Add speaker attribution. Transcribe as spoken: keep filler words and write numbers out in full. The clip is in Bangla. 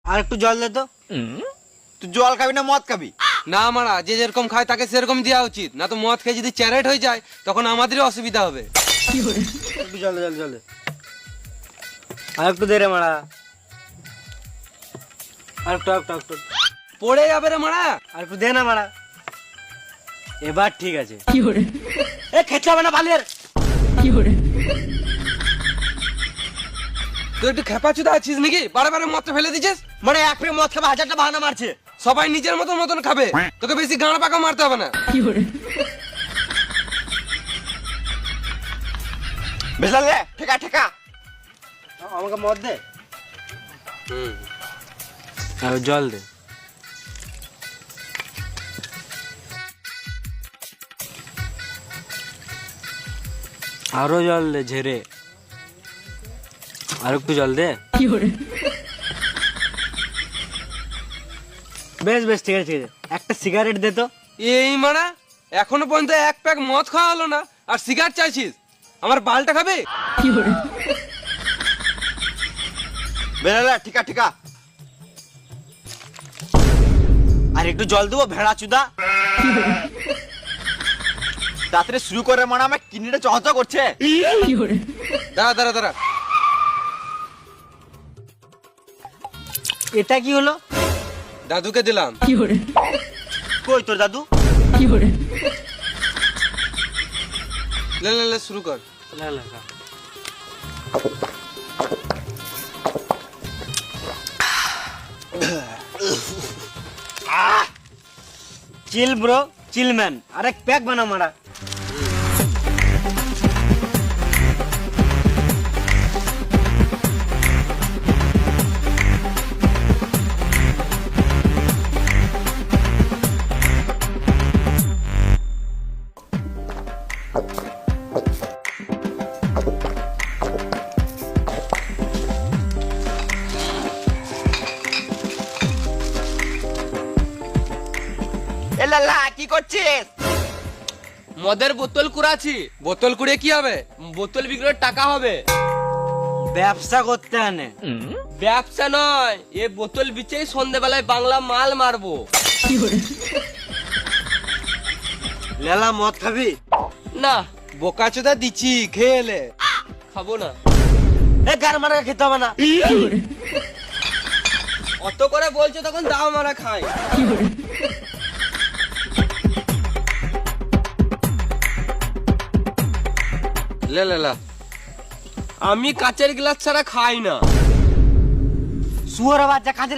Speaker 1: আর একটু জল দে তো।
Speaker 2: তুই জল খাবি না মদ খাবি?
Speaker 3: না মারা, যে যেরকম খায় তাকে সেরকম দেওয়া উচিত, না তো মদ খেয়ে যদি চ্যারেট হয়ে যায় তখন আমাদেরই অসুবিধা হবে।
Speaker 1: একটু জল দে, জল জল দে। আর একটু দে রে মারা, আর একটু আর একটু আর একটু।
Speaker 3: পড়ে যাবে রে মারা।
Speaker 1: আর একটু দে না মারা, এবার ঠিক আছে। এ খেতে হবে না বালিয়ার।
Speaker 3: তুই একটু খেপাচুদা আছিস নাকি? বারে বারে মদটা ফেলে দিছিস।
Speaker 1: মানে এক পেয়ে মদ খাবে হাজারটা বাহানা মারছে।
Speaker 3: সবাই নিজের মতন মতন খাবে, তোকে বেশি গাঁড় পাকা মারতে হবে না।
Speaker 2: বেসা দে, ঠেকা ঠেকা।
Speaker 1: আমাকে মদ দে
Speaker 3: হুম,
Speaker 1: আর জল দে। আরো জল দে ঝেড়ে, আর একটু জল দে। বেশ বেশ ঠিক আছে ঠিক আছে, একটা সিগারেট দে তো।
Speaker 3: এই মারা, এখনো পর্যন্ত এক প্যাক মদ খাওয়া হলো না আর সিগারেট চাইছিস? আমার বালটা খাবে?
Speaker 2: বেসা দে, ঠেকা ঠেকা। আর একটু জল দেবো ভেড়া চুদা। তাড়াতাড়ি শুরু করে মানে আমার কিডনিটা চহচ করছে।
Speaker 3: দাঁড়া দাঁড়া দাঁড়া,
Speaker 1: এটা কি হলো?
Speaker 3: দাদুকে দিলাম।
Speaker 1: কই তোর দাদু?
Speaker 3: লে লে লে, শুরু কর।
Speaker 1: লা, লা, লা। চিল ব্রো, চিল ম্যান, আরেক প্যাক বানা মারা।
Speaker 2: এ লালা কি করছিস?
Speaker 4: মদের বোতল কুড়াচ্ছি।
Speaker 3: বোতল কুড়ে কি হবে?
Speaker 4: বোতল বিক্রির টাকা হবে।
Speaker 1: ব্যবসা করতে আনে।
Speaker 4: ব্যবসা নয়, এ বোতল বিচেই সন্ধ্যেবেলায় বাংলা মাল মারবো।
Speaker 1: লেলা মদ খাবি?
Speaker 4: না,
Speaker 3: বোকাচোদা দিচ্ছি, খেয়ে এলে।
Speaker 4: খাবো না।
Speaker 1: এ গার মারা খেতে হবে না।
Speaker 4: অত করে বলছো তখন দাও মারা খাই।
Speaker 3: লে লে লা।
Speaker 4: আমি কাচের গ্লাস ছাড়া খাই না।
Speaker 1: শুয়োর বাচ্চা কাজের